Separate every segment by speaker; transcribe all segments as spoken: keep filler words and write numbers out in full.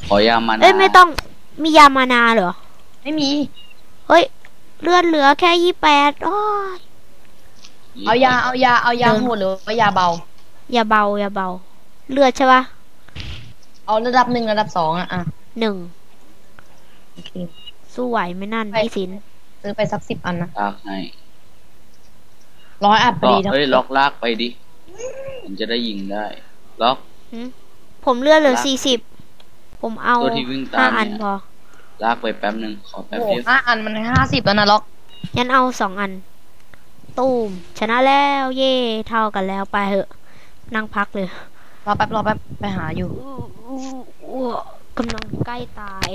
Speaker 1: ขอยามานา
Speaker 2: เอ้ยไม่ต้องมียามานาเหรอ
Speaker 3: ไม่มี
Speaker 2: เฮ้ยเลือดเหลือแค่ยี่แปดโอ้ย
Speaker 3: เอายาเอายาเอายาโหดหรือว่ายาเบ
Speaker 2: ายาเบายาเบาเลือดใช่ปะ
Speaker 3: เอาระดับหนึ่งระดับสองอ่ะอ่ะ
Speaker 2: หนึ่ง
Speaker 3: โอเค
Speaker 2: สู้ไหวไหมนั่นพี่สิน
Speaker 3: ซื้อไปสักสิบอันนะ
Speaker 1: ลากให้
Speaker 3: ร้อยอัดพอดี
Speaker 1: เฮ้ยล็อกลากไปดิมันจะได้ยิงได้ล็อก
Speaker 2: ผมเลือดเหลือสี่สิบผมเอาห้าอันพอ
Speaker 1: ลากไปแป๊บหนึ่งขอแป๊บเดียว
Speaker 3: ห้าอันมันห้าสิบแล้วนะล็อก
Speaker 2: งั้นเอาสองอันตูมชนะแล้วเย่เท่ากันแล้วไปเหอะนั่งพักเลย
Speaker 3: รอแป๊บรอแป๊บไปหาอยู่
Speaker 2: กำลังใกล้ตาย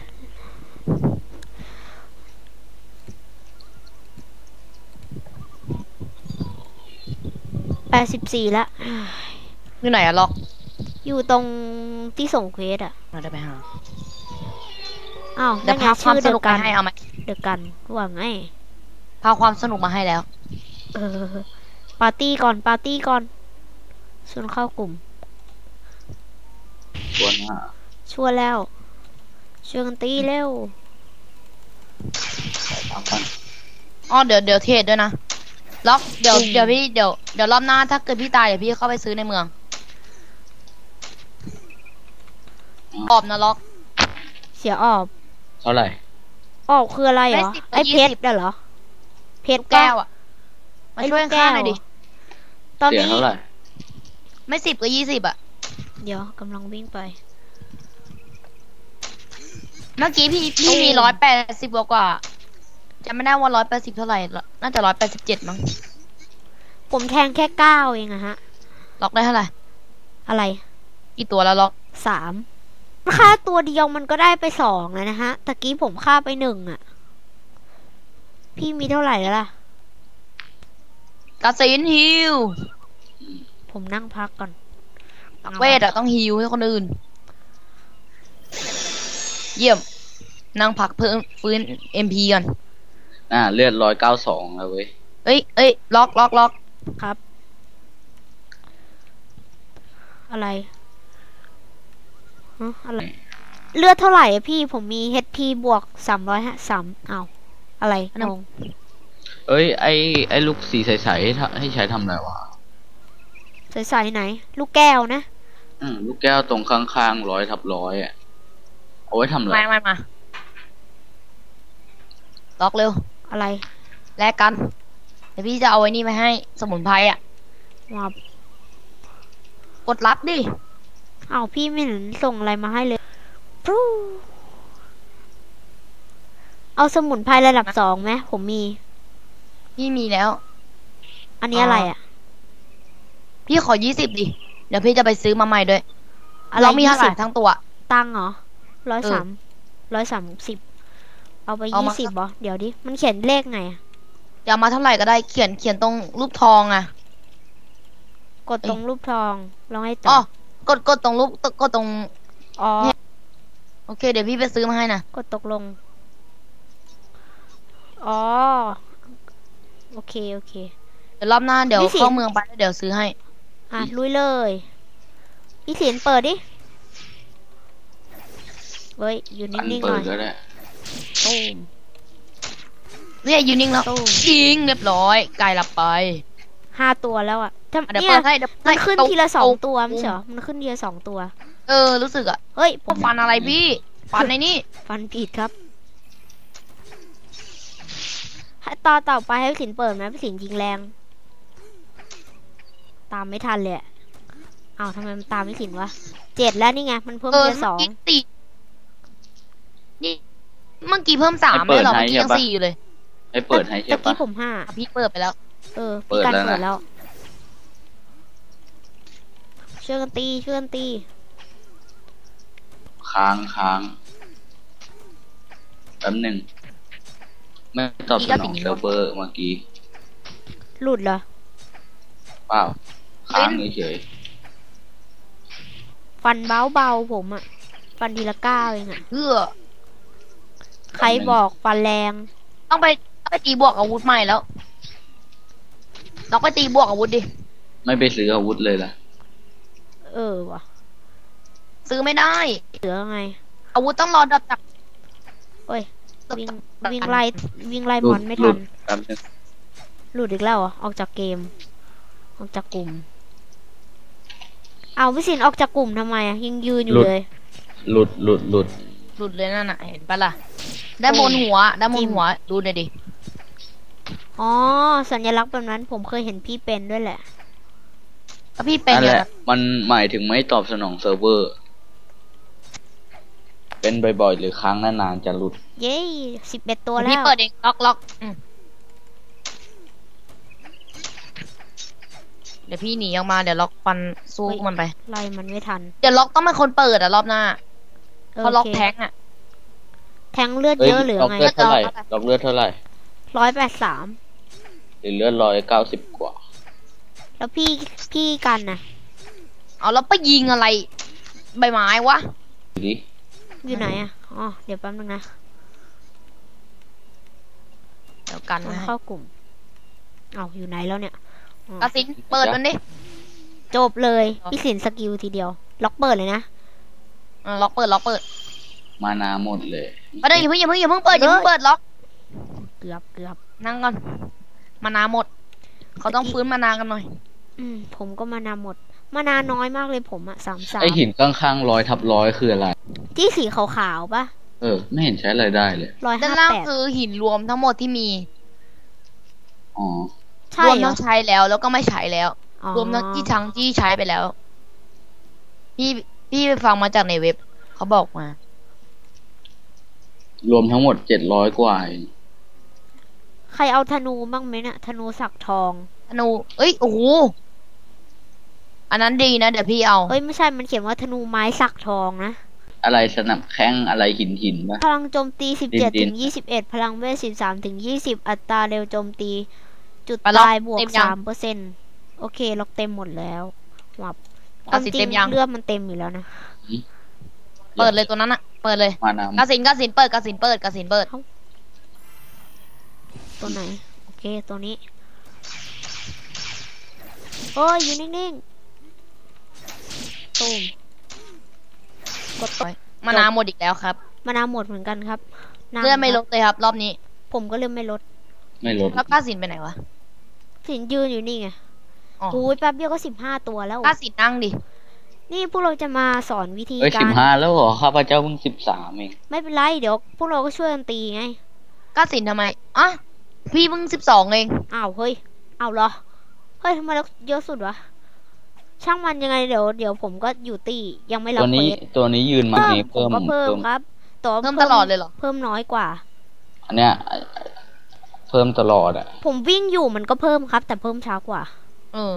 Speaker 2: แปดสิบสี่แล้ว
Speaker 3: อยู่ไหนอะล็อก
Speaker 2: อยู่ตรงที่ส่งเควสอะ
Speaker 3: มาได้ไปหา
Speaker 2: อ้าว
Speaker 3: ได้พาความสนุกมาให้เอาไหม
Speaker 2: เด็กกันว่าไง
Speaker 3: พาความสนุกมาให้แล้ว
Speaker 2: เออปาร์ตี้ก่อนปาร์ตี้ก่อนชวนเข้ากลุ่ม
Speaker 1: ชวนฮะ
Speaker 2: ชวนแล้วชวนกันตีเร็ว
Speaker 3: อ๋อเดี๋ยวเดี๋ยวเทรดด้วยนะล็อกเดี๋ยวเดี๋ยวพี่เดี๋ยวเดี๋ยวรอบหน้าถ้าเกิดพี่ตายเดี๋ยวพี่เข้าไปซื้อในเมืองออบนะล็อก
Speaker 2: เสียออบ
Speaker 1: เท่าไหร่
Speaker 2: ออบคืออะไรเหรอไอเพชรเหรอเพชร
Speaker 3: แก้วอ่ะมาช่วยข้าหน่อยดิ
Speaker 2: ตอนนี้
Speaker 1: เท่าไหร่
Speaker 3: ไม่สิบก็ยี่สิบอ่ะ
Speaker 2: เดี๋ยวกำลังวิ่งไป
Speaker 3: เมื่อกี้พี่พี่มีร้อยแปดสิบกว่าจะไม่ได้ว่าร้อยแปดสิบเท่าไหร่น่าจะร้อยแปดสิบเจ็ดมั้ง
Speaker 2: ผมแทงแค่เก้าเองอะฮะ
Speaker 3: ล็อกได้เท่าไหร่
Speaker 2: อะไร
Speaker 3: กี่ตัวแล้วล็อก
Speaker 2: สามค่าตัวเดียวมันก็ได้ไปสองแล้วนะฮะตะกี้ผมฆ่าไปหนึ่งอะพี่มีเท่าไหร่แล้วล่ะ
Speaker 3: กาซินฮิว
Speaker 2: ผมนั่งพักก่อน
Speaker 3: เวทอะต้องฮิวให้คนอื่นเยี่ยมนั่งพักเพิ่มฟื้นเอ็มพีก่อน
Speaker 1: อ่าเลือดร้อยเก้าสองแล้วเว้ย
Speaker 3: เอ้ยเอ้ยล็อกล็อกล็อก
Speaker 2: ครับอะไรฮะอะไรเลือดเท่าไหร่พี่ผมมี เอช พี บวกสามร้อยห้าสามเอาอะไรงง
Speaker 1: เอ้ยไอไอลูกสีใสๆให้ให้ใช้ทำอะไรวะ
Speaker 2: ใสๆไหนลูกแก้วนะ
Speaker 1: อืมลูกแก้วตรงข้างๆร้อยทับร้อยอ่ะเอาไว้ทำอะไร
Speaker 3: มามามาล็อกเร็ว
Speaker 2: อะไร
Speaker 3: แลกกันเดี๋ยวพี่จะเอาไว้นี่ไปให้สมุนไพรอ่ะ
Speaker 2: ว้าว
Speaker 3: กดรับดิ
Speaker 2: เอาพี่ไม่เห็นส่งอะไรมาให้เลยปู๊เอาสมุนไพรระดับสองไหมผมมี
Speaker 3: พี่มีแล้ว
Speaker 2: อันนี้อะไรอ่ะ
Speaker 3: พี่ขอยี่สิบดิเดี๋ยวพี่จะไปซื้อมาใหม่ด้วยเรามีเท่าไหร่ทั้งตัว
Speaker 2: ตังเหรอร้อยสามร้อยสามสิบเอาไปยี่สิบเหรอเดี๋ยวดิมันเขียนเลขไง
Speaker 3: จะเอามาเท่าไหร่ก็ได้เขียนเขียนตรงรูปทองอ่ะ
Speaker 2: กดตรงรูปทองลองให้ต่
Speaker 3: อกดกดตรงรูปกดตรงอ๋อโอเคเดี๋ยวพี่ไปซื้อมาให้นะ
Speaker 2: กดตกลงอ๋อโอเคโอเค
Speaker 3: เดี๋ยวรอบหน้าเดี๋ยวเข้าเมืองไปแล้วเดี๋ยวซื้อให้
Speaker 2: อ่ะลุยเลยพี่เสียนเปิดดิเฮ้ยอยู่นิ่งๆหน่อย
Speaker 1: ตูม
Speaker 3: เนี่ยอยู่นิ่งแล้วยิงเรียบร้อยไกลหลับไป
Speaker 2: ห้าตัวแล้วอ่ะ
Speaker 3: เดี๋ยวเปิดให้
Speaker 2: มันขึ้นทีละสองตัวไม่ใช่เหรอมันขึ้นทีละสองตัว
Speaker 3: เออรู้สึกอ่ะ
Speaker 2: เฮ้ย
Speaker 3: ผมฟันอะไรพี่ฟันในนี่
Speaker 2: ฟันผิดครับต่อต่อไปให้สินเปิดไหมพี่สินยิงแรงตามไม่ทันเลยอ้าวทำไมมันตามไม่สินวะเจ็ดแล้วนี่ไงมันเพิ่มทีละสอง
Speaker 3: นี่เมื่อกี้เพิ่มสามเลยเหรอเมื่อกี้ยังสี่อยู่เลย
Speaker 1: ให้เปิดให้ใช่ปะ
Speaker 2: เมื่อกี้ผมห้า
Speaker 3: พี่เปิดไปแล้ว
Speaker 2: เออพี่การเปิดแล้วช่วยกันตีช่วยกันตี
Speaker 1: ค้างค้างแป๊บหนึ่งไม่ตอบสนองเซิร์ฟเวอร์เมื่อกี้
Speaker 2: หลุดเหรอ
Speaker 1: เปล่าค้างเฉย
Speaker 2: ฟันเบาเบาผมอะฟันทีละก้าวเองอะ
Speaker 3: เพื่อ
Speaker 2: ใครบอกฟันแรง
Speaker 3: ต้องไปไปตีบวกอาวุธใหม่แล้วเราไปตีบวกอาวุธดิ
Speaker 1: ไม่ไปซื้ออาวุธเลยล่ะ
Speaker 2: เออวะ
Speaker 3: ซซื้อไม่ได้
Speaker 2: เหลือไง
Speaker 3: อาวุธต้องรอดับจาก
Speaker 2: โอ้ย วิ่งวิ่งไล่วิ่งไล่
Speaker 1: หลุ
Speaker 2: ม
Speaker 1: ด
Speaker 2: อนไม่
Speaker 1: หลุ
Speaker 2: ทั
Speaker 1: ด
Speaker 2: น
Speaker 1: แป๊บนึง
Speaker 2: หลุดอีกแล้วเหรอออกจากเกม ออกจากกลุ่ม เอาพี่สินออกจากกลุ่มทำไมอ่ะยังยืนอยู่เลย
Speaker 1: หลุดหลุดหลุด
Speaker 3: หลุดเลยนั่นน่ะเห็นปะล่ะด้านบนหัวด้านบนหัวดูหน่อยดิ
Speaker 2: อ๋อ สัญลักษณ์แบบนั้นผมเคยเห็นพี่เป็นด้วยแหละ
Speaker 3: ถ้าพี่เป็น
Speaker 1: นั่น
Speaker 3: เนี่
Speaker 1: แห
Speaker 3: ย
Speaker 1: ละมันหมายถึงไม่ตอบสนองเซิร์ฟเวอร์ เป็นบ่อยๆหรือครั้งนานๆจะหลุด
Speaker 2: เย้สิบเอ็ดตัว
Speaker 3: เดี๋ยว
Speaker 2: แล้
Speaker 3: พี่
Speaker 2: ว
Speaker 3: เปิดเองล็อกล็อกอืมเดี๋ยวพี่หนีออกมาเดี๋ยวล็อกฟันสู้มันไป
Speaker 2: ไล่มันไม่ทัน
Speaker 3: เดี๋ยวล็อกต้องเป็นคนเปิดอะรอบหน้าเพราะล็อก
Speaker 2: โค
Speaker 3: แทงอะ
Speaker 2: แทงเลือด
Speaker 1: เอ้ย
Speaker 2: เยอะหรือ
Speaker 1: ล็อก
Speaker 2: ไง
Speaker 1: เลือดเท่าไหร่
Speaker 3: เท่าไหร่
Speaker 1: ล็อกเลือดเท่าไหร่
Speaker 2: ร้อยแปดสาม
Speaker 1: หรือเลือดร้อยเก้าสิบกว่า
Speaker 2: แล้วพี่พี่กันน่ะ
Speaker 3: เอาแล้วไปยิงอะไร ใบไม้วะ
Speaker 1: ดูดิ
Speaker 2: อยู่ไหนอ่ะ อ๋อ เดี๋ยวแป๊บนึงนะ
Speaker 3: เดี๋ยวกัน
Speaker 2: มัน
Speaker 3: นะ
Speaker 2: เข้ากลุ่ม เอาอยู่ไหนแล้วเนี่ยอ๋อ
Speaker 3: กระสินเปิดมันดิ
Speaker 2: จบเลย พี่สินสกิลทีเดียว ล็อกเปิดเลยนะ
Speaker 3: เออล็อกเปิดล็อกเปิด
Speaker 1: มานาหมดเลย
Speaker 3: มาเดี๋ยวอย่าเพิ่งอย่าเพิ่งอย่าเพิ่งเปิดอย่าเพิ่งเปิดล็อก
Speaker 2: เกือบเกือบ
Speaker 3: นั่งก่อนมานาหมด เขาต้องฟื้นมานากันหน่อย
Speaker 2: อืม ผมก็มานาหมด มานาน้อยมากเลยผมอะสามสาม
Speaker 1: ไอหินข้างๆร้อยทับร้อยคืออะไร
Speaker 2: ที่สีขาวๆปะ
Speaker 1: เออ ไม่เห็นใช้อะไรได้เลย
Speaker 2: ร้อย
Speaker 3: ด้า
Speaker 2: ห้าน
Speaker 3: ล่าง
Speaker 2: แปด
Speaker 3: คือหินรวมทั้งหมดที่มี
Speaker 1: อ๋อ
Speaker 2: ใช่
Speaker 3: รวม
Speaker 2: เหร
Speaker 3: ทั้
Speaker 2: อง
Speaker 3: ใช้แล้วแล้วก็ไม่ใช้แล้ว
Speaker 2: อ๋อ
Speaker 3: รวมทั้งที่ทั้งที่ใช้ไปแล้ว พี่พี่ไปฟังมาจากในเว็บ เขาบอกมา
Speaker 1: รวมทั้งหมดเจ็ดร้อยกว่าเอง
Speaker 2: ใครเอาธนูบ้างไหมเนี่ยธนูสักทอง
Speaker 3: ธนู เอ้ย โอ้โห อันนั้นดีนะ เดี๋ยวพี่เอา
Speaker 2: เอ้ยไม่ใช่ มันเขียนว่าธนูไม้สักทองนะ
Speaker 1: อะไรสนับแข้งอะไรหินหินปะ
Speaker 2: พลังโจมตี สิบเจ็ด
Speaker 1: ดิ
Speaker 2: ถึ
Speaker 1: น
Speaker 2: ง
Speaker 1: ๆ
Speaker 2: ยี่สิบเอ็ด พลังเวท สิบสาม ถึง ยี่สิบ อัตราเร็วโจมตี จุด
Speaker 3: ไปล็อก
Speaker 2: ตายบวก
Speaker 3: เต็มยัง
Speaker 2: สามเปอร์เซ็นต์โอเค ล็อกเต็มหมดแล้ววับค
Speaker 3: เอา
Speaker 2: วาม
Speaker 3: สิ
Speaker 2: จริ
Speaker 3: เต็
Speaker 2: ง
Speaker 3: มยัง
Speaker 2: เลือดมันเต็มอยู่แล้วนะ
Speaker 3: เปิดเลยตัวนั้นอะเปิดเลย
Speaker 1: มานา
Speaker 3: กสินกสินเปิดกสินเปิดกสินเปิด
Speaker 2: ตัวไหน โอเค ตัวนี้ โอ้ย อยู่นิ่งๆตูมกดตก
Speaker 3: มานาหมดอีกแล้วครับ
Speaker 2: มานาหมดเหมือนกันครับนั่ง
Speaker 3: เลือดไม่ล
Speaker 2: ครั
Speaker 3: ด
Speaker 2: บ
Speaker 3: เลยครับ รอบนี้
Speaker 2: ผมก็เลือดไม่ลด
Speaker 1: ไม่ลด
Speaker 3: แล้วกสินไปไหนวะ
Speaker 2: สินยืนอยู่นี่ไง
Speaker 3: อ๋อ
Speaker 2: โอ้ยแป๊บเดียวก็สิบห้าตัวแล้ว
Speaker 3: กสินนั่งดิ
Speaker 2: นี่พวกเราจะมาสอนวิธี
Speaker 1: เอ้ย
Speaker 2: กา
Speaker 1: สิบ
Speaker 2: ร
Speaker 1: ห้าแล้วเหรอข้าพเจ้าเพิ่งสิบสามเอง
Speaker 2: ไม่เป็นไร เดี๋ยวพวกเราก็ช่วยกันตีไง
Speaker 3: กสินทำไมอ่ะพี่เพิ่งสิบสองเอง
Speaker 2: อ้าว เฮ้ย อ้าวเหรอ เฮ้ยทำไมเราเยอะสุดวะ ช่างมันยังไงเดี๋ยวเดี๋ยวผมก็อยู่ตียังไม่รับ
Speaker 1: ตัวนี้
Speaker 2: เควส
Speaker 1: ตัวนี้ยืนมา
Speaker 2: เพิ่ม
Speaker 1: นี้
Speaker 2: ผ
Speaker 1: เพิ่
Speaker 2: ม
Speaker 1: ม
Speaker 2: ก็เพิ่มครับแตัว
Speaker 3: เพิ่มตลอดเลยเหรอ
Speaker 2: เพิ่มน้อยกว่า
Speaker 1: อันเนี้ยเพิ่มตลอดอ่ะ
Speaker 2: ผมวิ่งอยู่มันก็เพิ่มครับ แต่เพิ่มช้ากว่า
Speaker 3: เออ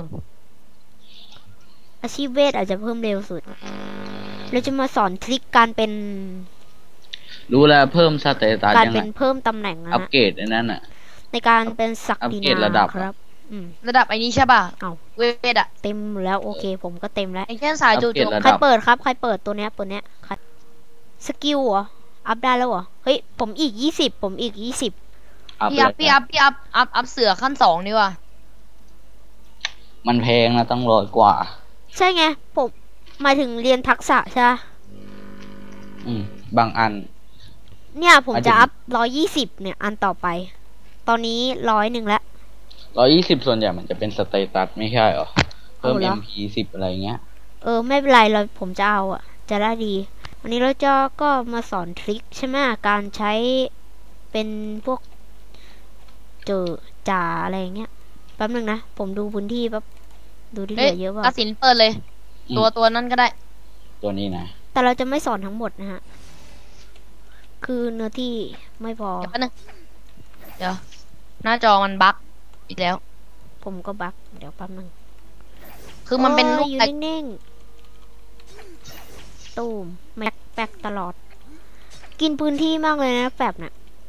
Speaker 2: อาชีพเวทอาจจะเพิ่มเร็วสุด เราจะมาสอนทริคการเป็น
Speaker 1: รู้แล้วเพิ่มสเตตัส
Speaker 2: การ
Speaker 1: ยัง
Speaker 2: เป็
Speaker 1: ไง
Speaker 2: นเพิ่มตำแหน่งนะ
Speaker 1: อัป
Speaker 2: ฮะ
Speaker 1: เกรดอันนั้นอ่ะ
Speaker 2: ในการเป็นศัก
Speaker 1: อัป
Speaker 2: ดิ
Speaker 1: เกรด
Speaker 2: นา
Speaker 1: ระดับ
Speaker 2: ครับ อืม
Speaker 3: ระดับไอ้นี้ใช่ป่ะ
Speaker 2: เอ้า
Speaker 3: เวทอะ
Speaker 2: เต็มแล้วโอเค ผมก็เต็มแล้ว
Speaker 3: ไอ้เช่นสายจู่
Speaker 1: อัปเกรด
Speaker 3: โจม
Speaker 1: ระ
Speaker 2: ใคร
Speaker 1: ดับ
Speaker 2: เปิดครับ ใครเปิดตัวเนี้ยตัวเนี้ยใครสกิลเหรอ อัพได้แล้วเหรอ เฮ้ย ผมอีกยี่สิบผมอีกยี่สิบ
Speaker 1: อัพ
Speaker 3: พี่อัพพี่อัพพี่อัพอัพอัพเสือขั้นสองนี่ว่ะ
Speaker 1: มันแพงนะต้องร้อยกว่า
Speaker 2: ใช่ไง ผมหมายถึงเรียนทักษะใช่ไหม
Speaker 1: อืม บางอัน
Speaker 2: เนี่ยผม
Speaker 1: หมายถึ
Speaker 2: จะ
Speaker 1: ง
Speaker 2: อัพร้อยยี่สิบเนี่ย อันต่อไป ตอนนี้ร้อยหนึ่งแล้ว
Speaker 1: ร้อยยี่สิบส่วนใหญ่มันจะเป็นสเตตัสไม่ใช่เหรอ เพิ่ม
Speaker 2: เอาเหรอ
Speaker 1: เอ็มพีสิบอะไรเงี้ย
Speaker 2: เออ ไม่เป็นไรเราผมจะเอาอ่ะ จะได้ดี วันนี้เราจะก็มาสอนทริคใช่ไหมการใช้เป็นพวกเจอจ่าอะไรอย่างเงี้ยแป๊บนึงนะ ผมดูพื้นที่แป๊บดูที่เห
Speaker 3: เฮ้ย
Speaker 2: ลือเยอะ
Speaker 3: ก
Speaker 2: เปล่า
Speaker 3: สินเปิดเลย
Speaker 1: อืม
Speaker 3: ตัวตัวนั้นก็ได้
Speaker 1: ตัวนี้นะ
Speaker 2: แต่เราจะไม่สอนทั้งหมดนะฮะ คือเนื้อที่ไม่พอ
Speaker 3: เดี๋ยวแป๊บนึงเดี๋ยว หน้าจอมันบั๊กอีกแล้ว
Speaker 2: ผมก็บักเดี๋ยวแป๊บนึง
Speaker 3: คือมันเป็น
Speaker 2: โอ้
Speaker 3: ลู
Speaker 2: ย
Speaker 3: ก
Speaker 2: อยู่
Speaker 3: แต่
Speaker 2: นิ่งๆตูมแม็กแปกตลอด กินพื้นที่มากเลยนะแฟบน่ะ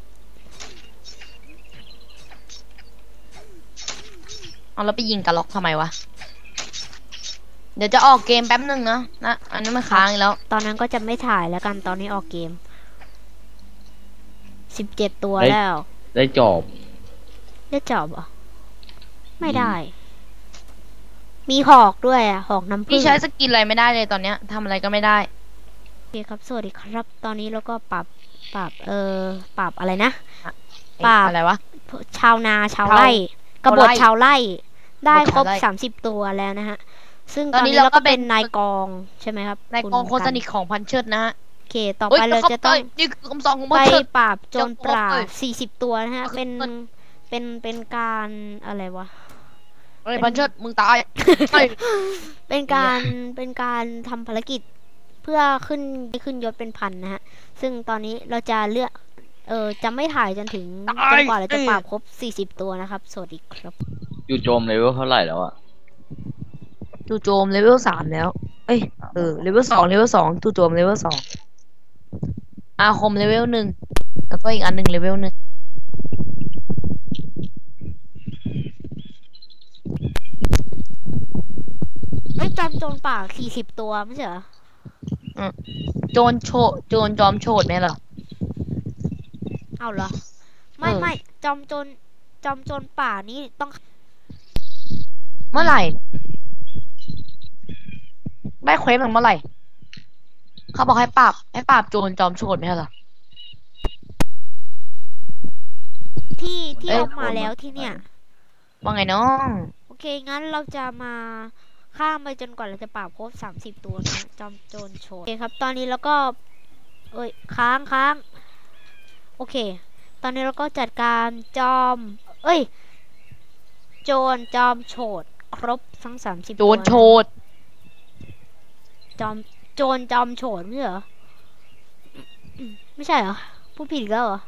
Speaker 3: เอาแล้วไปยิงกระล็อกทำไมวะ เดี๋ยวจะออกเกมแป๊บนึงนะนะ อันนี้มันค้างอีกแล้ว
Speaker 2: ตอนนั้นก็จะไม่ถ่ายแล้วกันตอนนี้ออกเกมสิบเจ็ดตัว
Speaker 1: เฮ้ย
Speaker 2: แล้ว
Speaker 1: ได้จอบ
Speaker 2: ได้จอบเหรอไม่ได้ มีหอกด้วยอ่ะ หอกน้ำผึ้
Speaker 3: พี่
Speaker 2: ง
Speaker 3: ใช้สกินอะไรไม่ได้เลยตอนเนี้ยทำอะไรก็ไม่ได้
Speaker 2: ครับสวัสดีครับ ตอนนี้เราก็ปรับปรับเออปรับอะไรนะ
Speaker 3: เอ๊ะ
Speaker 2: ปราบ
Speaker 3: อะไรวะ
Speaker 2: ชาวนาชาว
Speaker 3: ชาว
Speaker 2: ไร่กบฏ
Speaker 3: ชาวไร่
Speaker 2: ชาวไร่ได้ครบ
Speaker 3: กบฏชาวไร่
Speaker 2: สามสิบตัวแล้วนะฮะ ซึ่ง
Speaker 3: ต
Speaker 2: ต
Speaker 3: อ
Speaker 2: อน น
Speaker 3: นี้
Speaker 2: นี้
Speaker 3: เรา
Speaker 2: เรา
Speaker 3: ก็
Speaker 2: ก็
Speaker 3: เป็
Speaker 2: เป็น นนายกองใช่ไหมครับ
Speaker 3: นาย
Speaker 2: คุณ
Speaker 3: กองโค
Speaker 2: กัน
Speaker 3: สนิทของพันเชิดนะฮะ
Speaker 2: โอเค ต่อ
Speaker 3: เฮ้ย
Speaker 2: ไปเราจะต้อง
Speaker 3: ยนี่คือคำสั่งของ
Speaker 2: ไป
Speaker 3: พันเชิด
Speaker 2: ปราบโจรปรา
Speaker 3: จะครบเลย
Speaker 2: บสี่สิบตัวนะฮะ เป็น
Speaker 3: มัน
Speaker 2: เป็นเป็นการอะไรวะ
Speaker 3: เฮ้ยพันเชิดมึงตายเฮ้ย
Speaker 2: เป็นการเป็นการทำภารกิจเพื่อขึ้นขึ้นยศเป็นพันนะฮะ ซึ่งตอนนี้เราจะเลือก เออจะไม่ถ่ายจนถึงจนกว่าเราจะปราบครบสี่สิบตัวนะครับ สวัสดีครับ
Speaker 1: อยู่โจมเลเวลเท่าไหร่แล้วอะ
Speaker 3: จู่โจมเลเวลสามแล้ว เอ้ย เออ เลเวลสองเลเวลสองจู่โจมเลเวลสองอาคมเลเวลหนึ่ง แล้วก็อีกอันหนึ่งเลเวลหนึ่ง
Speaker 2: เอ้ยจอมโจรป่าสี่สิบตัวไม่ใช่เหรอ
Speaker 3: โจรโชโจรจอมโฉดไหมเหรอ
Speaker 2: เอาเหรอ ไม่
Speaker 3: เออ
Speaker 2: ไม่จอมโจรจอมโจรป่านี่ต้อง
Speaker 3: เมื่อไหร่ ได้เควสมันเมื่อไหร่ เขาบอกให้ปราบให้ปราบโจรจอมโฉดไหมเหรอ
Speaker 2: ที่ที่
Speaker 3: เอ้ย
Speaker 2: เอามาแล้วที่เนี่ย
Speaker 3: ว่าไงน้อง
Speaker 2: โอเค งั้นเราจะมาข้ามไปจนกว่าเราจะปราบครบสามสิบตัวนะจอมโจรโชว์โอเคครับ ตอนนี้เราก็ เอ้ย ค้างค้าง โอเค ตอนนี้เราก็จัดการจอม เอ้ย โจรจอมโฉดครบทั้งสามสิบ
Speaker 3: โจรโฉด
Speaker 2: จอมโจรจอมโฉดไม่ใช่เหรอ ไม่ใช่เหรอ พูดผิดอีกแล้วเหรอ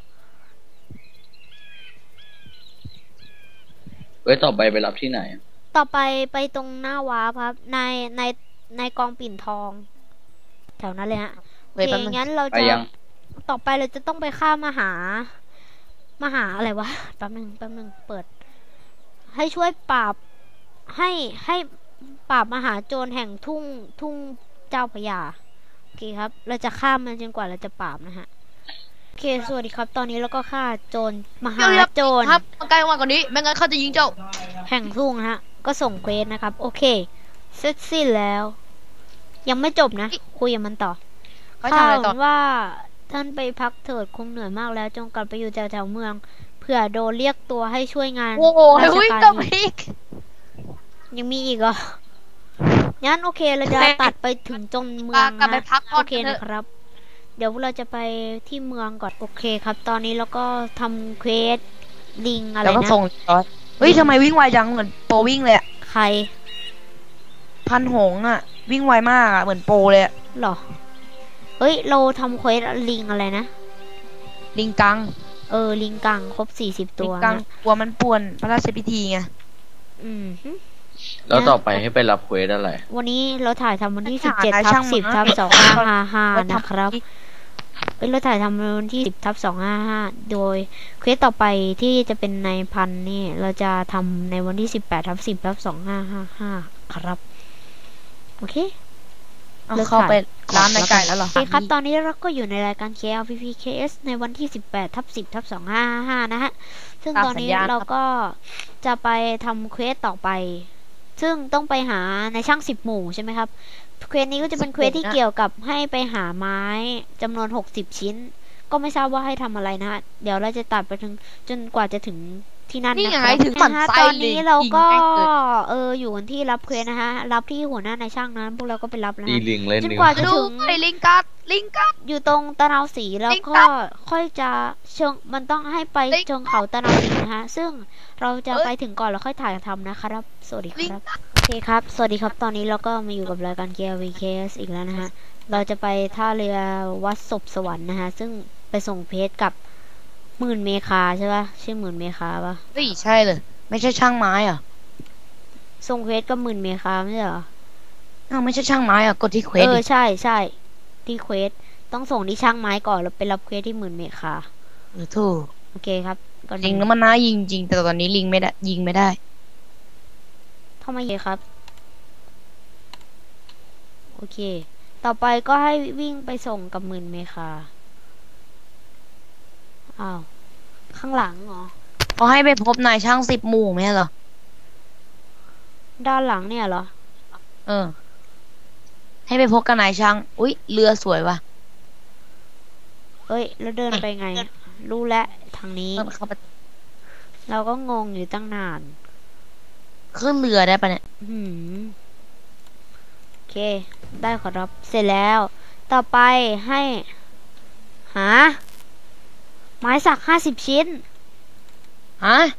Speaker 1: เว้ยต่อไปไปรับที่ไหนอะ
Speaker 2: ต่อไปไปตรงหน้าวาร์ปครับ ในในในกองปิ่นทอง แถวนั้นเลยฮะ โอ
Speaker 3: เฮ้ย
Speaker 2: เค
Speaker 3: แป๊บนึง
Speaker 2: งั้นเรา
Speaker 1: ไป
Speaker 2: จะ
Speaker 1: ยัง
Speaker 2: ต่อไปเราจะต้องไปฆ่ามหา มหาอะไรวะ แป๊บนึงแป๊บนึงเปิด ให้ช่วยปราบ ให้ให้ปราบมหาโจรแห่งทุ่งทุ่งเจ้าพระยา โอเคครับ เราจะฆ่ามันจนกว่าเราจะปราบนะฮะ โอเค สวัสดีครับ ตอนนี้เราก็ฆ่าโจร มหาโจร
Speaker 3: ครับมาใกล้มากกว่านี้ ไม่งั้นเขาจะยิงเจ้า
Speaker 2: แห่งทุ่งนะฮะ ก็ส่งเควสนะครับ โอเค เสร็จสิ้นแล้ว ยังไม่จบนะ คุยกับมันต่อ
Speaker 3: เขาทำ
Speaker 2: ข่า
Speaker 3: อะไร
Speaker 2: ว
Speaker 3: ต่อ
Speaker 2: ว่าท่านไปพักเถิดคงเหนื่อยมากแล้ว จงกลับไปอยู่แถวๆเมือง เผื่อโดนเรียกตัวให้ช่วยงาน
Speaker 3: โอ้โห
Speaker 2: ราช
Speaker 3: วิ่ง
Speaker 2: การ
Speaker 3: กับ
Speaker 2: อีก
Speaker 3: พิก
Speaker 2: ยังมีอีกเหรอ งั้นโอเค เราจะ
Speaker 3: โอเค
Speaker 2: ตัดไปถึงจนเมือง
Speaker 3: กลับไป
Speaker 2: นะ
Speaker 3: พักก่อน
Speaker 2: โอเค
Speaker 3: เถอะ
Speaker 2: นะครับ เดี๋ยวเราจะไปที่เมืองก่อน โอเคครับ ตอนนี้เราก็ทำเควสลิงอะไร
Speaker 3: แล้วก็
Speaker 2: นะ
Speaker 3: ส่งจอยเฮ้ยทำไมวิ่งไวจังเหมือนโปรวิ่งเลยอะ
Speaker 2: ใคร
Speaker 3: พันหงส์อะวิ่งไวมากอะเหมือนโปรเลยอะ
Speaker 2: หรอ เฮ้ย เราทำเควสลิงอะไรนะ
Speaker 3: ลิงกัง
Speaker 2: เออ ลิงกังครบสี่สิบ
Speaker 3: ลิ
Speaker 2: ตัว
Speaker 3: งกัง
Speaker 2: นะ
Speaker 3: กลัวมันป่วนพระราชพิธีไง
Speaker 2: อืมฮึ
Speaker 1: แล้วต่อไปให้ไปรับเควสอะไร
Speaker 2: วันนี้เราถ่ายทำวันที่
Speaker 3: ไม่
Speaker 2: สิบ
Speaker 3: ถ่าย
Speaker 2: เจ็ด
Speaker 3: นาย
Speaker 2: ทั
Speaker 3: ช่า
Speaker 2: บ
Speaker 3: ง
Speaker 2: สิบ
Speaker 3: มา
Speaker 2: ทับสองห้าห้าห้า
Speaker 3: เราทำ
Speaker 2: นะครับ
Speaker 3: อีก
Speaker 2: เอ้ยเราถ่ายทำวันที่สิบทับสองห้าห้าโดยเควสต่อไปที่จะเป็นในพันนี่ เราจะทำในวันที่สิบแปดทับสิบทับสองห้าห้าห้าครับ โอเค
Speaker 3: เอา
Speaker 2: เลิก
Speaker 3: เข้าไป
Speaker 2: ถ่าย
Speaker 3: ร้านในไก่แล้วเหรอ
Speaker 2: โอเคครับ ตอนนี้เราก็อยู่ในรายการ เค แอล พี พี เค เอส ในวันที่สิบแปดทับสิบทับสองห้าห้านะฮะ ซึ่งตอนนี้เราก็จะไปทำเควสต่อไป ซึ่งต้องไปหาในช่างสิบหมู่ใช่ไหมครับ เควสนี้ก็จะเป็นเควสที่เกี่ยวกับให้ไปหาไม้จำนวนหกสิบชิ้น ก็ไม่ทราบว่าให้ทำอะไรนะฮะ เดี๋ยวเราจะตัดไปถึงจนกว่าจะถึงที่นั่น
Speaker 3: นี่
Speaker 2: นะ
Speaker 3: ไง
Speaker 2: ครับ
Speaker 3: ถึงหมั่น
Speaker 2: นะฮะ
Speaker 3: ไส้
Speaker 2: ตอน
Speaker 3: เลย
Speaker 2: นี้เราก็
Speaker 3: ยิงแม่งเลย
Speaker 2: เอออยู่กันที่รับเควสนะฮะ รับที่หัวหน้าในายช่างนั้นพวกเราก็ไปรับนะ
Speaker 1: ดี
Speaker 2: ฮะ
Speaker 1: ลิงเล่น
Speaker 2: จน
Speaker 1: ดี
Speaker 2: กว่า
Speaker 1: ว่า
Speaker 2: จะ
Speaker 3: ดู
Speaker 2: ถึง
Speaker 3: ไอ้ลิงกัดลิงกัด
Speaker 2: อยู่ตรงตะนาวสีแล้ว
Speaker 3: ลิง
Speaker 2: ก็
Speaker 3: กัด
Speaker 2: ค่อยจะเชิงมันต้องให้ไป
Speaker 3: ลิง
Speaker 2: เชิงเขาตะนาวสีนะฮะ ซึ่งเราจะ
Speaker 3: เอ้ย
Speaker 2: ไปถึงก่อนแล้วค่อยถ่ายทำนะครับ สวัสดี
Speaker 3: ลิง
Speaker 2: ครับ
Speaker 3: กัด
Speaker 2: โอเคครับ สวัสดีครับ ตอนนี้เราก็มาอยู่กับรายการ เค แอล วี เค เอส อีกแล้วนะฮะ เราจะไปท่าเรือวัดศพสวรรค์นะฮะ ซึ่งไปส่งเพจกับหมื่นเมคาใช่ปะชื่อหมื่นเมคาปะ
Speaker 3: เฮ้ยใช่เลย ไม่ใช่ช่างไม้เหรอ่ะ
Speaker 2: ส่งเพจกับหมื่นเมคาไม่ใช่เหรอ
Speaker 3: อ้าวไม่ใช่ช่างไม้เหรอ่ะกดที่เควส
Speaker 2: เออ
Speaker 3: ดิ
Speaker 2: ใช่ใช่ที่เควสต้องส่งที่ช่างไม้ก่อนแล้วไปรับเควสที่หมื่นเมคา
Speaker 3: เออถูก
Speaker 2: โอเคครับก่อน
Speaker 3: ลิงแล้วมันน่ายิงจริงแต่ตอนนี้ลิงไม่ได้ยิงไม่ได้
Speaker 2: ทำไมเยครับ โอเค ต่อไปก็ให้วิ่งไปส่งกับหมื่นเมคาอ้าวข้างหลังเหรอ
Speaker 3: เขาให้ไปพบนายช่างสิบหมู่ไหมเหรอ
Speaker 2: ด้านหลังเนี่ยเหรอ
Speaker 3: เออ ให้ไปพบกับนายช่าง อุ๊ย เรือสวยว่ะ
Speaker 2: เอ้ย แล้วเดินไปไง รู้แล้วทางนี้
Speaker 3: เดินเข้าไป
Speaker 2: เราก็งงอยู่ตั้งนาน
Speaker 3: ขึ้นเรือได้ปะเนี่ย
Speaker 2: หืมโอเค ได้ขอรับ เสร็จแล้ว ต่อไปให้ หา ไม้สักห้าสิบชิ้น
Speaker 3: ฮะ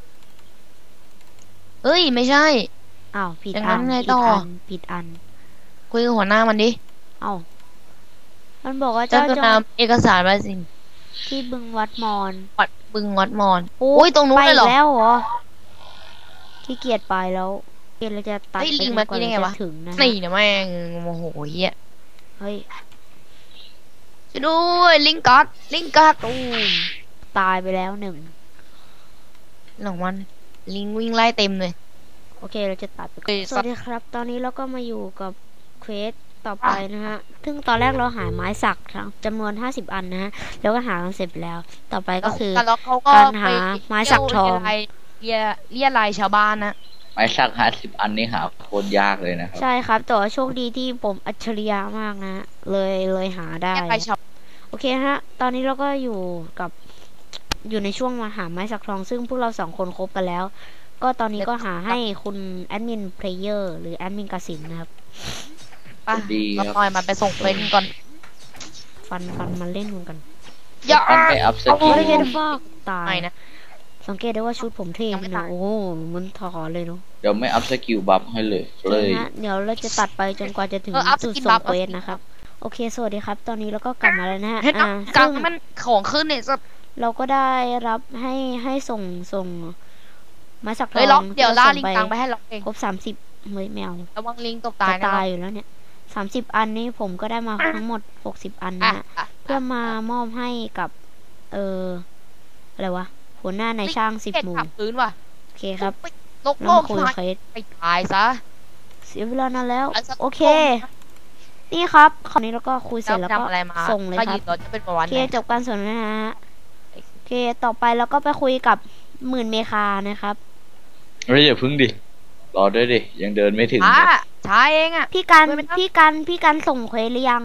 Speaker 3: เอ้ย ไม่ใช่
Speaker 2: อ้าวผิด
Speaker 3: อย่าง
Speaker 2: อั
Speaker 3: นั้น
Speaker 2: น
Speaker 3: ไง
Speaker 2: ผิ
Speaker 3: ต่
Speaker 2: ด
Speaker 3: อ
Speaker 2: อันผิดอัน
Speaker 3: คุยกับหัวหน้ามันดิ
Speaker 2: เอ้ามันบอกว่า
Speaker 3: เจ้า
Speaker 2: เจ้า
Speaker 3: จะ
Speaker 2: จง
Speaker 3: นำเอกสารมาสิ
Speaker 2: ที่บึงวัดมอน
Speaker 3: วัดบึงวัดมอน
Speaker 2: โอ้
Speaker 3: โอ้ยตรงนู้น
Speaker 2: ไป
Speaker 3: เลยเหรอ
Speaker 2: แล้วเหรอขี้เกียจไปแล้วเกียจเราจะตัด
Speaker 3: เฮ้ย
Speaker 2: ไป
Speaker 3: ลิง
Speaker 2: จน
Speaker 3: มาก
Speaker 2: ว่า
Speaker 3: กินได้
Speaker 2: เรา
Speaker 3: ไงวะ
Speaker 2: จะถึงนะฮะ
Speaker 3: นี่นะแม่งโมโหเฮีย
Speaker 2: เฮ้ย
Speaker 3: ช่วยด้วยลิงกัดลิงกัด
Speaker 2: ตูมตายไปแล้วหนึ่ง
Speaker 3: หลังมันลิงวิ่งไล่เต็มเลย
Speaker 2: โอเคเราจะตัดไปก่
Speaker 3: เฮ้
Speaker 2: อน
Speaker 3: ย
Speaker 2: สวัสดีครับ ตอนนี้เราก็มาอยู่กับเควสต่อไปนะฮะซึ่งตอนแรกเราหาไม้สักทั้งจำนวนห้าสิบอันนะฮะแล้วก็หากันเสร็จไปแล้ว ต่อไปก็คือ
Speaker 3: แล้วเขาก็
Speaker 2: การหา
Speaker 3: ไป
Speaker 2: ไม้สักทอง
Speaker 3: เรียเรียลายชาวบ้านนะ
Speaker 1: ไม้สักห้าสิบอันนี่หาโคตรยากเลยนะครับ
Speaker 2: ใช่ครับแต่ว่าโชคดีที่ผมอัจฉริยะมากนะฮะเลยเลยหาได้
Speaker 3: เรียลายชาว
Speaker 2: โอเคฮะ ตอนนี้เราก็อยู่กับอยู่ในช่วงมาหาไม้สักทอง ซึ่งพวกเราสองคนคบกันแล้ว ก็ตอนนี้ก็หาให้คุณแอดมินเพลเยอร์หรือแอดมินกสินนะครับ
Speaker 3: ป่ะ
Speaker 1: ดีค
Speaker 3: เรา
Speaker 1: รับ
Speaker 3: ปล่อยมันไปส่งเฟรนก่อน
Speaker 2: ฟันฟันมันเล่นกัน
Speaker 3: อย่า
Speaker 1: อันไปอัพส
Speaker 2: โอ้
Speaker 1: กิล
Speaker 2: ยเห็นฟอกตาย
Speaker 3: ไม่นะ
Speaker 2: สังเกตได้ว่าชุดผมเท่
Speaker 3: ยังไม่
Speaker 2: นะ
Speaker 3: ตาย
Speaker 2: โอ้โหมันถอเลยเนาะ
Speaker 1: เดี๋ยวไม่อัพสกิลบัฟให้เลยเลย
Speaker 2: นะฮะเดี๋ยวเราจะตัดไปจนกว่าจะถึง
Speaker 3: เอออัพส
Speaker 2: จุด
Speaker 3: กิน
Speaker 2: ส่
Speaker 3: บั
Speaker 2: ง
Speaker 3: ฟ
Speaker 2: เควสนะครับ โอเค สวัสดีครับ ตอนนี้เราก็กลับมาแล้วนะฮะ
Speaker 3: เห็น
Speaker 2: อ่า
Speaker 3: กลา
Speaker 2: ซึ่
Speaker 3: ง
Speaker 2: ง
Speaker 3: มันของขึ้นเนี่ยจะ
Speaker 2: เราก็ได้รับให้ให้ส่งส่งไม้สักท
Speaker 3: เฮ้ย
Speaker 2: อ
Speaker 3: ล็อง กเดี๋ยวล่า
Speaker 2: ส่
Speaker 3: ลิงกังไปให้ล็อกเอง
Speaker 2: ครบสามสิบเฮ้ยแมว
Speaker 3: ระวังลิงตก
Speaker 2: ตา
Speaker 3: ตาย ยนะ
Speaker 2: ตายอยู่แล้วเนี่ยสามสิบอันนี้ผมก็ได้มาทั้งหมดหกสิบอัน
Speaker 3: อ่ะ
Speaker 2: นะฮะ
Speaker 3: อ่ะ
Speaker 2: เพื่อมามอบให้กับ เอออะไรวะ หัวหน้าในายช่างสิบ
Speaker 3: เห็ด
Speaker 2: หมู่
Speaker 3: ขับพื้นว่ะ
Speaker 2: โอเคครับ
Speaker 3: ลก
Speaker 2: เรา
Speaker 3: โล
Speaker 2: มาก คุย
Speaker 3: ชิบหาย
Speaker 2: เคส
Speaker 3: ไปตายซะ
Speaker 2: เสียเวลานานแล้ว
Speaker 3: เอาสัก
Speaker 2: โอเค นี่ครับคราวนี้เราก็คุยเสร็จแล้วก็
Speaker 3: ทำอะไรมา
Speaker 2: ส่งเลย
Speaker 3: ถ้า
Speaker 2: ค
Speaker 3: ห
Speaker 2: รั
Speaker 3: ยิ
Speaker 2: บบ
Speaker 3: รถจะเป็นประ
Speaker 2: โอ
Speaker 3: วัน
Speaker 2: เค
Speaker 3: ไหน
Speaker 2: จบการสนทนาฮะโอเคต่อไปเราก็ไปคุยกับหมื่นเมคานะครับ
Speaker 1: เฮ้ยอย่าพึ่งดิ รอด้วยดิ ยังเดินไม่ถึง
Speaker 3: ช้า
Speaker 1: เลย
Speaker 3: ช้าเองอ่ะ
Speaker 2: พี่กัน
Speaker 3: คุยไหมครับ
Speaker 2: พี่กันพี่กันส่งเควสหรือยัง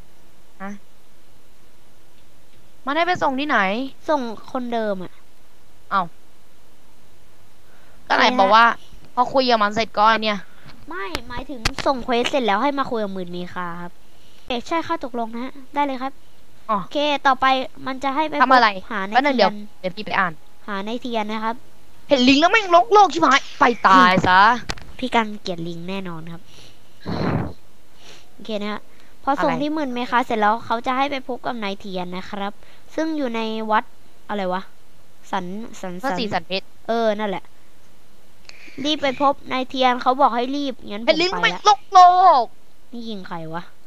Speaker 3: มันให้ไปส่งที่ไหน
Speaker 2: ส่งคนเดิมอ่ะ
Speaker 3: ก็ไหน
Speaker 2: อะไรฮะ
Speaker 3: บอกว่า พอคุยกับมันเสร็จก็ไอ้เนี่ย
Speaker 2: ไม่หมายถึงส่งเควสเสร็จแล้วให้มาคุยกับหมื่นเมคาครับเอกใช่ค่าตกลงนะฮะได้เลยครับ
Speaker 3: อ๋อ
Speaker 2: โอเคต่อไปมันจะให้ไป
Speaker 3: ทำอะไร
Speaker 2: พบหาใน
Speaker 3: ก็นั่น
Speaker 2: เที
Speaker 3: เดี๋
Speaker 2: ย
Speaker 3: ยวน เดี๋ยวพี่ไปอ่าน
Speaker 2: หาในเทียนนะครับ
Speaker 3: เห็นลิงแล้วแม่งลกโลกชิบหายไปตายซะ
Speaker 2: พี่กันเกลียดลิงแน่นอนครับโอเคนะฮะพอส่ง
Speaker 3: อะไร
Speaker 2: ที่หมื่นเมคาเสร็จแล้วเขาจะให้ไปพบกับนายเทียนนะครับ ซึ่งอยู่ในวัดอะไรวะสันสัน
Speaker 3: พระ
Speaker 2: สัน
Speaker 3: ศรีสันเพชร
Speaker 2: เออนั่นแหละ รีบไปพบนายเทียนเขาบอกให้รีบงั้นผ
Speaker 3: เห็น
Speaker 2: ม
Speaker 3: ลิง
Speaker 2: ไป
Speaker 3: แม่ง
Speaker 2: ละ
Speaker 3: ลกโลก
Speaker 2: นี่ยิงใครวะ